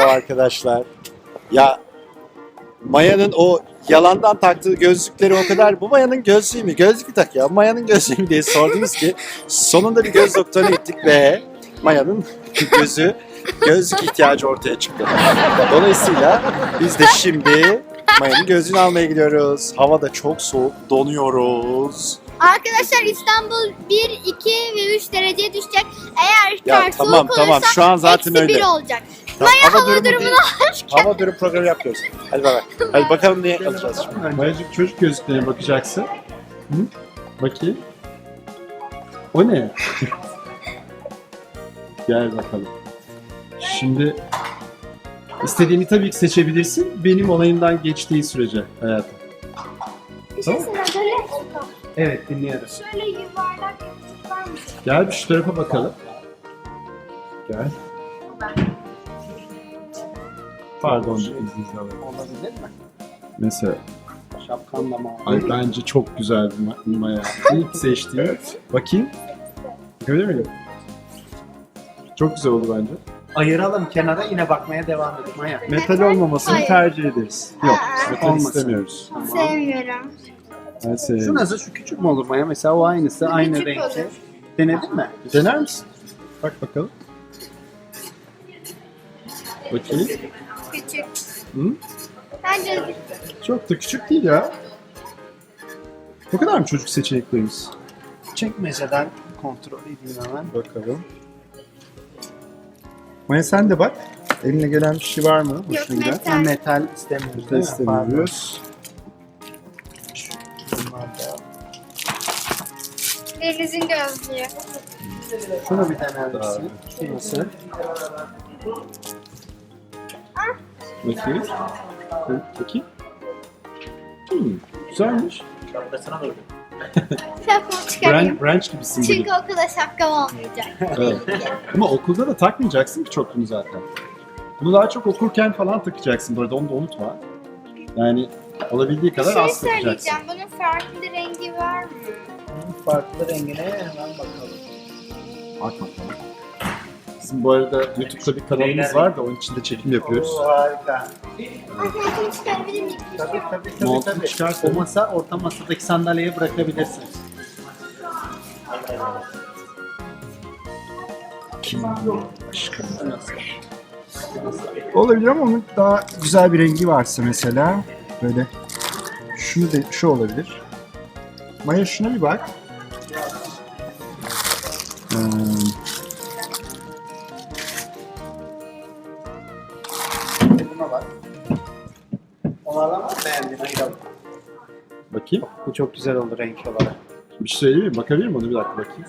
arkadaşlar. Ya Maya'nın o yalandan taktığı gözlükleri o kadar, bu Maya'nın gözlüğü mü? Gözlük mü tak ya? Maya'nın gözlüğü mü diye sordunuz ki sonunda bir göz doktoruna gittik ve Maya'nın gözlük ihtiyacı ortaya çıktı. Dolayısıyla biz de şimdi Maya'nın gözlüğünü almaya gidiyoruz. Hava da çok soğuk, donuyoruz. Arkadaşlar İstanbul 1, 2 ve 3 dereceye düşecek. Eğer Ya kar tamam, soğuk tamam. olursa Şu an zaten eksi öyle. 1 olacak. Tamam, Maya hava durumu durumunu değil. Hava durum programı yapıyoruz. Hadi bay bay. Hadi bakalım neye alacağız şimdi. Mayacık çocuk gözlüklerine bakacaksın. Hı? Bakayım. O ne? Gel bakalım. Şimdi istediğini tabii ki seçebilirsin. Benim onayımdan geçtiği sürece hayatım. Bir şey Tamam. söyleyeyim. Evet, dinliyorum. Şöyle yuvarlak yapıcı var mı? Gel bir şu tarafa bakalım. Gel. Pardon, izninizi alayım. Olabilir mi? Mesela, Şapkanla mı? ay bence çok güzel bir maya. İlk seçtiğim. Bakayım. Görüyor muyum? Çok güzel oldu bence. Ayıralım kenara, yine bakmaya devam edelim. Maya. Metal olmamasını Hayır. tercih ederiz. Yok, metal Olmasın. istemiyoruz. Sevmiyorum. Ben Şu seviyorum. nasıl? Şu küçük mü olur Maya? Mesela o aynısı, aynı Küçük renkte. olur. Denedin mi? Dener misin? Bak bakalım. Bakayım. Küçük. Hı? Bence Çok da küçük değil ya. Bu kadar mı çocuk seçeneklerimiz? Çekmeceden kontrol edeyim hemen. Bakalım. Maya sen de bak. Eline gelen bir şey var mı? Yok, Hoşuna giden. metal. Metal istemiyoruz Metal değil mi? istemiyoruz. Pardon. Bunlar da. denizin gözlüğü. Şunu bir dener misin? Şu nasıl? Bakayım. Bakayım. Güzelmiş. Şapkasına doğru. Şapkamı çıkarayım. Branch gibisin Çünkü bugün. okulda şapkam olmayacak. Evet. Ama okulda da takmayacaksın ki çok bunu zaten. Bunu daha çok okurken falan takacaksın bu arada, onu da unutma. Yani olabildiği Bir kadar şey az takacaksın. söyleyeceğim. Bunun farklı rengi var mı? Bunun farklı rengine hemen bakalım. Bak bakalım. Bizim bu arada YouTube'da bir kanalımız var da onun içinde çekim yapıyoruz. Oo, harika. Arkadaşım çıkarabilir miyim? Tabii Montunu çıkarsın. O masa, orta masadaki sandalyeye bırakabilirsin. Olabilir ama onun daha güzel bir rengi varsa mesela böyle şunu da şu olabilir. Maya şuna bir bak. Buna bak. Onlardan var mı beğendin? Ayıralım. Bakayım. Bu çok güzel oldu renk olarak. Bir şey söyleyeyim mi? Bakabilir miyim? Onu bir dakika bakayım.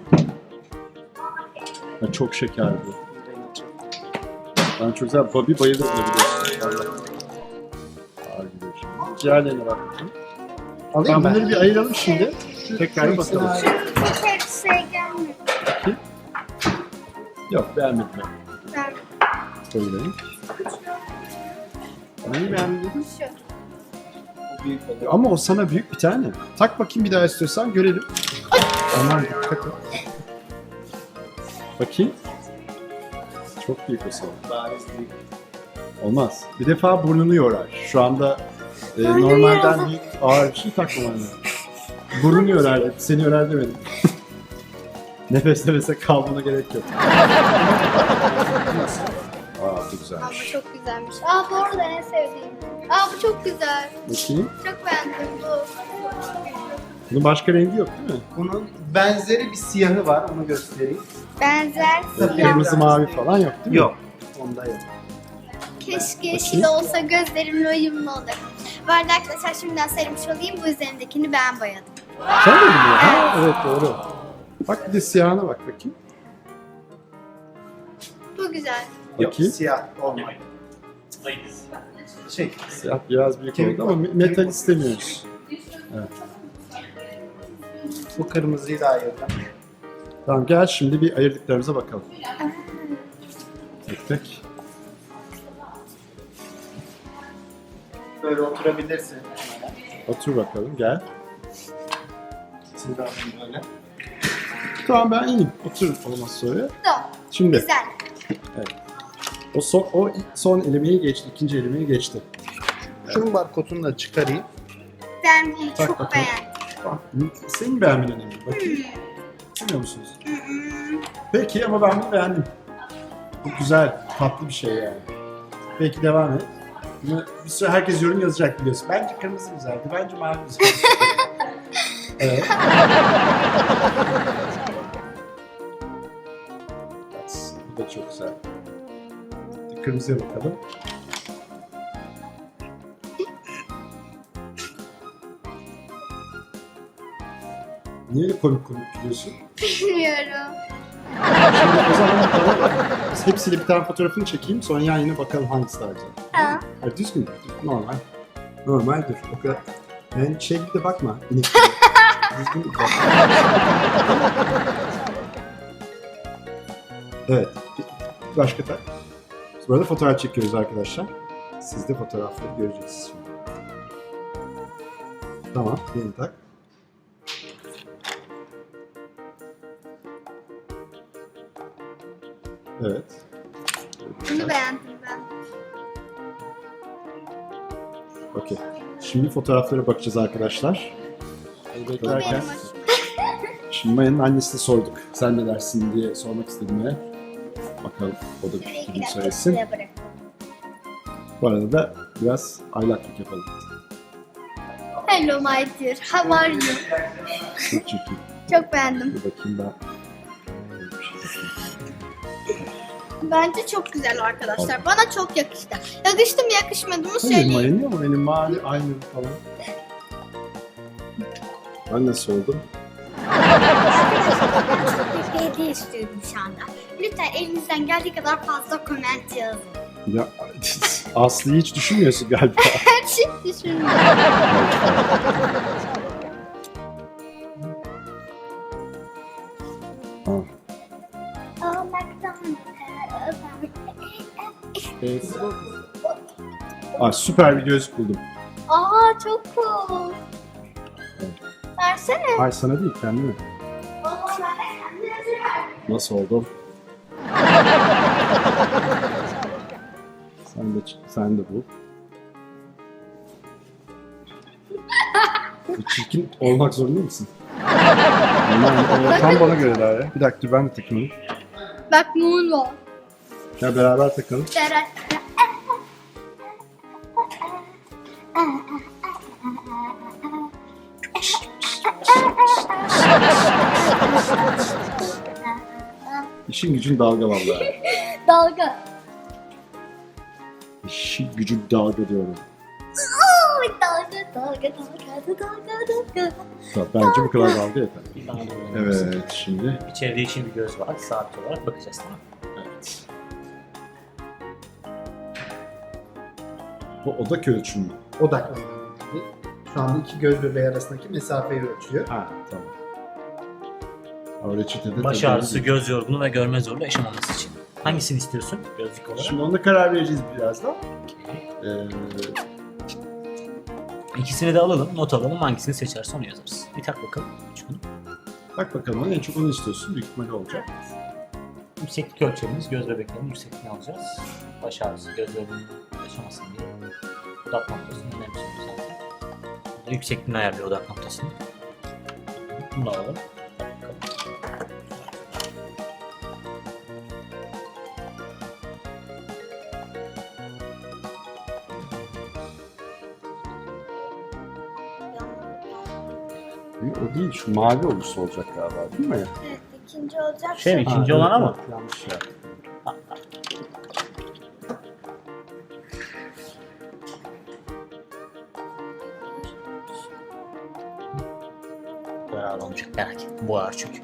Ha, çok şeker bu. Renk çok. Ben çok güzel. Bobby bayılır buna biliyorsun. Ağır gidiyor şimdi. Diğerlerine bak bakayım. Alayım Ben ben. bunları bir ayıralım şimdi. Tekrar bir ikisini bakalım. ayrı- Hiç şey gelmiyor. Yok, beğenmedim ben. Ben Söyleyeyim. Neyi beğenmedin? şu. Bu büyük oluyor. Ama o sana büyük bir tane. Tak bakayım bir daha istiyorsan görelim. Aman dikkat et. Bakayım. Çok büyük o sana. Bariz büyük. Olmaz. Bir defa burnunu yorar. Şu anda Burnunu normalden yorar. büyük ağır bir şey takmaman lazım. Burnunu yorar dedi. Seni yorar demedim. Nefes nefese kalmana gerek yok. Aa, bu güzelmiş. Bu çok güzelmiş. Aa bu arada en sevdiğim. Aa bu çok güzel. Bakayım. Çok beğendim bu. Bunun başka rengi yok değil mi? Bunun benzeri bir siyahı var, onu göstereyim. Benzer Böyle siyah. kırmızı mavi falan yok değil mi? Yok. Onda yok. Keşke yeşil olsa gözlerimle uyumlu olur. Bu arada arkadaşlar şimdiden söylemiş olayım. Bu üzerindekini ben boyadım. Sen de mi? Ha, evet doğru. Bak bir de siyahına bak bakayım. Bu güzel. Yok, Bakayım. siyah olmadı. Şey, Siyah biraz büyük Kemik oldu ama var. metal Kemik var. istemiyoruz. bu kırmızıyı da ayırdım. Tamam gel şimdi bir ayırdıklarımıza bakalım. Tek tek. Böyle oturabilirsin. Otur bakalım gel. Siz de alın böyle. Tamam ben iyiyim. Otur olmaz sonra. Bu. Şimdi Güzel. O son elemeyi geçti, ikinci elemeyi geçti. Şunun barkodunu da çıkarayım. Ben bunu Tak çok bakalım. beğendim. Senin beğenmen önemli. Bakayım. Bilmiyor musunuz? Peki ama ben bunu beğendim. Çok güzel, tatlı bir şey yani. Peki devam et. Bunu bir süre herkes yorum yazacak biliyorsun. Bence kırmızı güzeldi, bence mavi güzeldi. Evet. Bu da çok güzel. Kırmızıya bakalım. Niye öyle komik gülüyorsun? Bilmiyorum. Şimdi o zaman biz hepsiyle bir tane fotoğrafını çekeyim, sonra yan yana bakalım hangisi daha güzel. Tamam. Hayır, düzgün, normal. Normaldir, o kadar. Yani şey gibi de bakma, inek gibi. Düzgün bir bak. Evet, başka tak. Biz bu arada fotoğraf çekiyoruz arkadaşlar. Siz de fotoğrafları göreceksiniz şimdi. Tamam, yeni tak. Evet. Bunu beğendim ben. Okey. Şimdi fotoğraflara bakacağız arkadaşlar. Bu benim Beklerken, hoşuma. şimdi Maya'nın annesine sorduk. Sen ne dersin diye sormak istedim Maya. Bakalım o da bir Bir fikrini dakika söylesin. şuraya bırak. Bu arada da biraz aylaklık yapalım. Hello my dear, how are you? Çok çirkin. Çok beğendim. Bir bakayım ben. Bence çok güzel arkadaşlar. Bana çok yakıştı. Yakıştı mı yakışmadı mı Hayır söyleyeyim. Maya'nın ama benim mavi aynı falan. Ben nasıl oldum? Arkadaşlar ben çok bir hediye istiyorum şu anda. Lütfen elinizden geldiği kadar fazla comment yazın. Ya Aslı'yı hiç düşünmüyorsun galiba. Her şey düşünün. Ha. Aa, süper bir gözlük buldum. Aa çok cool. Versene. Hayır sana değil kendime. Nasıl oldum? sen de bul. Bu çirkin olmak zorunda mısın? O tam bana göre daha ya. Bir dakika dur ben de takayım. Bak moon var. Ya beraber takalım. Berat. İşin gücün dalga vallahi. Dalga. İşin gücün dalga diyorum. Oy, dalga dalga dalga dalga dalga. Tamam, bence bu kadar dalga yeter. Bana doğru olması. Evet şimdi. İçeride için bir göz var. Saat olarak bakacağız, tamam. Evet. Bu odak ölçümü. Odaklanıyor. Şu anda iki göz bebeği arasındaki mesafeyi ölçüyor. Ha tamam. O reçetede Baş tabii ağrısı, değil. göz yorgunluğu ve görme zorluğu yaşamaması için. Hangisini istiyorsun gözlük olarak? Şimdi ona karar vereceğiz birazdan. İkisini de alalım, not alalım. Hangisini seçersen onu yazarız. Bir tak bakalım. Şunu. Bak bakalım en çok onu istiyorsun. Büyük ihtimalle olacak. Yükseklik ölçerimiz, göz bebeklerinin yüksekliğini alacağız. Baş ağrısı, göz yorgunluğu yaşamasın diye. Odak noktasını önemsiyoruz zaten. Yüksekliğini ayarlıyor odak noktasını. Bunu da alalım. Bakalım. O değil şu mavi olursa olacak galiba değil mi? Evet, ikinci olacak. Şey mi? İkinci olan ama. Yanlış yaptım. Beraber olmayacak, merak etme. Bu ağır çünkü.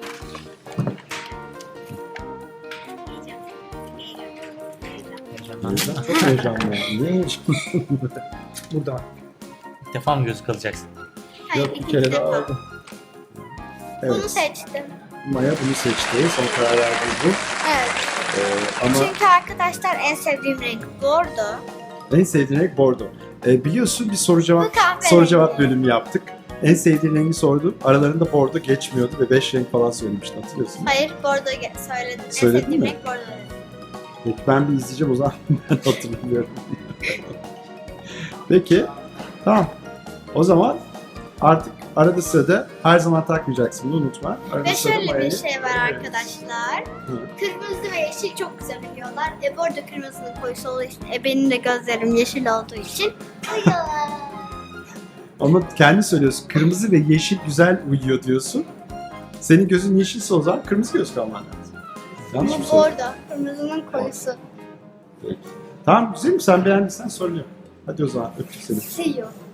Heyecanlandın mı? Çok heyecanlı. Niye heyecanlı? Burada var. İlk defa mı gözlük alacaksın? Hayır, Yok bir ikinci kere daha defa. aldım. Bunu Evet. seçtim. Maya bunu seçti. Son karar verdi bu. Evet. Ama Çünkü arkadaşlar en sevdiğim renk bordo. en sevdiğin renk bordo. Biliyorsun bir soru Bu cevap kahverengi. bölümü yaptık. En sevdiğin rengi sordum. Aralarında bordo geçmiyordu ve 5 renk falan söylemiştin hatırlıyorsun. Hayır bordo söyledim. En Söyledin sevdiğim mi? renk bordo dedim. Peki ben bir izleyeceğim o zaman. Ben hatırlamıyorum. Peki. Tamam. O zaman artık arada sırada her zaman takmayacaksın. Bunu unutma. Arada Ve sırada şöyle bir mayayı- şey var arkadaşlar. Hı. Kırmızı ve yeşil çok güzel uyuyorlar. Bu arada kırmızının koyusu olduğu için, benim de gözlerim yeşil olduğu için uyuyorlar. Ama kendi söylüyorsun. Kırmızı ve yeşil güzel uyuyor diyorsun. Senin gözün yeşilse o zaman kırmızı göz kalman lazım. Yanlış mı Bu söylüyorum? orada kırmızının koyusu. Tamam güzel mi? Sen beğendiysen sorun yok. Hadi o zaman öptük seni. See you.